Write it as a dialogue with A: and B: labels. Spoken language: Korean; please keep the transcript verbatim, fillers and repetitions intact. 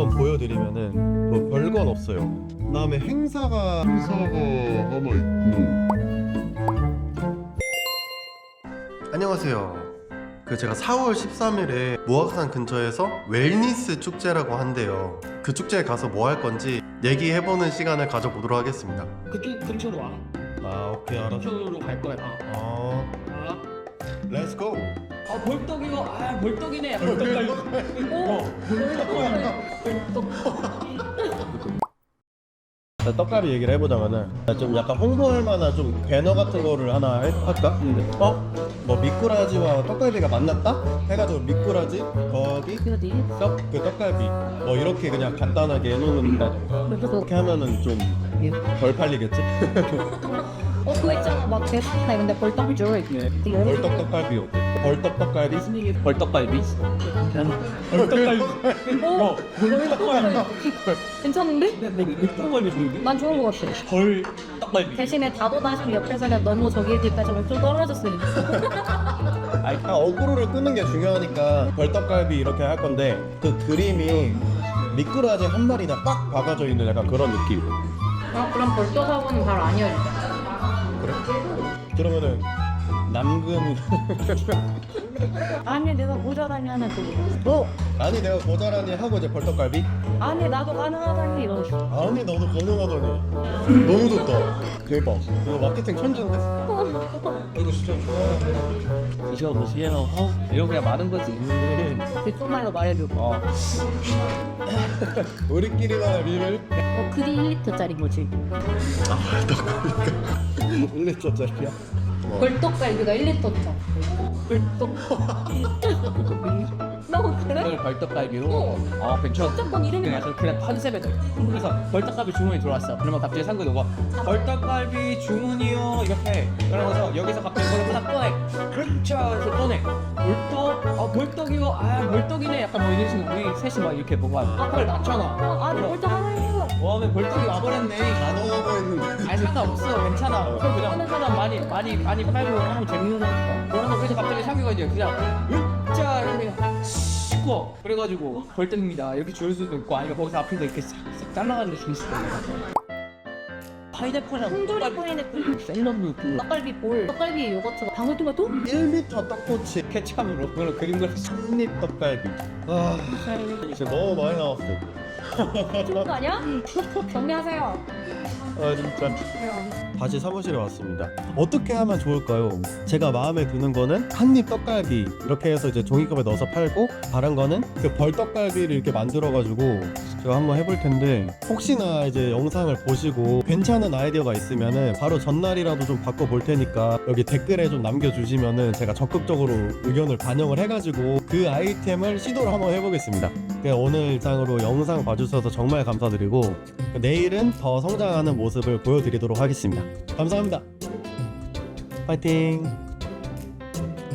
A: 한번 보여드리면은 뭐 별건 없어요. 그다음에 행사가
B: 행사가 하나 있고.
A: 안녕하세요. 그 제가 사월 십삼일에 모악산 근처에서 웰니스 축제라고 한대요. 그 축제에 가서 뭐 할 건지 얘기해보는 시간을 가져보도록 하겠습니다.
C: 그쪽 근처로 와.
A: 아 오케이 알았어.
C: 그쪽으로 갈 거야. 아.
A: 어,
C: 아.
A: 렛츠 고.
C: 아 벌떡이고 아 벌떡이네. 벌떡. 어. 벌떡.
A: 떡갈비 얘기를 해보자면은 좀 약간 홍보할 만한 좀 배너 같은 거를 하나 할- 할까? 어? 뭐 미꾸라지와 떡갈비가 만났다? 해가지고 미꾸라지 거기
D: 어디?
A: 떡 그 떡갈비 뭐 이렇게 그냥 간단하게 해놓는다든가 그렇게 하면은 좀 덜 팔리겠지?
D: 어 그거 있잖아 막 대박나 근데 벌떡 줄
C: 네.
A: 벌떡 떡갈비 어때? 벌떡 떡갈비?
C: 벌떡갈비.
A: 벌떡갈비
D: 어? 괜찮은데?
C: 벌떡갈비 좋은데?
D: 난 좋은 거 같아
C: 벌떡갈비.
D: 대신에 다도다시 옆에서 그냥 너무 저기 뒤까지 좀 떨어졌으니
A: 아니 그냥 어그로를 끄는 게 중요하니까 벌떡갈비 이렇게 할 건데 그 그림이 미꾸라지 한 마리나 빡 박아져 있는 약간 그런 느낌.
D: 아 그럼 벌떡하고는 잘 아니야
A: 그래? 그러면은 남근
D: 아니 내가 모자라니 하나 또 뭐?
A: 아니 내가 모자라니 하고 이제 벌떡갈비?
D: 아니 나도 가능하다니 이러지
A: 아니 너도 가능하더니 너무 좋다. 대박. 이거 마케팅 천재인데?
C: 이거 진짜 좋아. 드셔보세요. 어? 이런 그냥 많은 거지.
D: 뒷속말로 말해줘
C: 어.
A: 우리끼리만의 비밀?
D: 어 그게 일 리터짜리 거지
A: 일 리터짜리야?
D: 벌떡갈비가 일 리터짜리 벌떡 너무 그래?
C: 이걸 벌떡갈비로.
D: 어.
C: 어 괜찮아.
D: 무조건 이름이
C: 그냥 약간 그냥 컨셉에 돼. 그래서 벌떡갈비 주문이 들어왔어. 그러면 갑자기 상근이 오고 벌떡갈비 주문이요 이렇게. 그러면서 여기서 갑자기 그걸 하나 꺼내. 그렇죠. 그래서 꺼내. 벌떡. 아 벌떡이요. 아 벌떡이네. 약간 뭐 이런 식으로 우리 셋이 막 이렇게 보고 하는. 아 그걸 낮잖아.
D: 어, 아니 벌떡 하나요
C: 와면 벌떡이 와버렸네.
A: 다 넣어보 있는데.
C: 아니 상관없어. 괜찮아. 그걸 그냥 하는 사람 많이 많이 많이 팔고 하면 재밌는 거니까. 그래서 그래서 갑자기 상규가 이제 그냥 으짜 이렇게 씻고 그래가지고 벌떡입니다. 이렇게 줄 수도 있고 아니면 거기서 앞에서 이렇게 싹싹 잘라가는 게 줄 수도 있고. 파인애플이랑
D: 통조림 파인애플
C: 샐러드 그
D: 떡갈비 볼 떡갈비 요거트가 방울토마토?
A: 일 리터 떡꼬치
C: 케찹으로 그걸 그림 그렸어.
A: 삼립 떡갈비. 아 진짜 너무 많이 나왔어.
D: 좋은 거 아니야? 정리하세요
A: 아 진짜. 다시 사무실에 왔습니다. 어떻게 하면 좋을까요? 제가 마음에 드는 거는 한입 떡갈비 이렇게 해서 이제 종이컵에 넣어서 팔고, 다른 거는 그 벌떡갈비를 이렇게 만들어 가지고 제가 한번 해볼 텐데, 혹시나 이제 영상을 보시고 괜찮은 아이디어가 있으면은 바로 전날이라도 좀 바꿔볼 테니까 여기 댓글에 좀 남겨주시면은 제가 적극적으로 의견을 반영을 해가지고 그 아이템을 시도를 한번 해보겠습니다. 그냥 오늘 이상으로 영상 봐주셔서 정말 감사드리고, 내일은 더 성장하는 모습을 보여드리도록 하겠습니다. 감사합니다. 파이팅!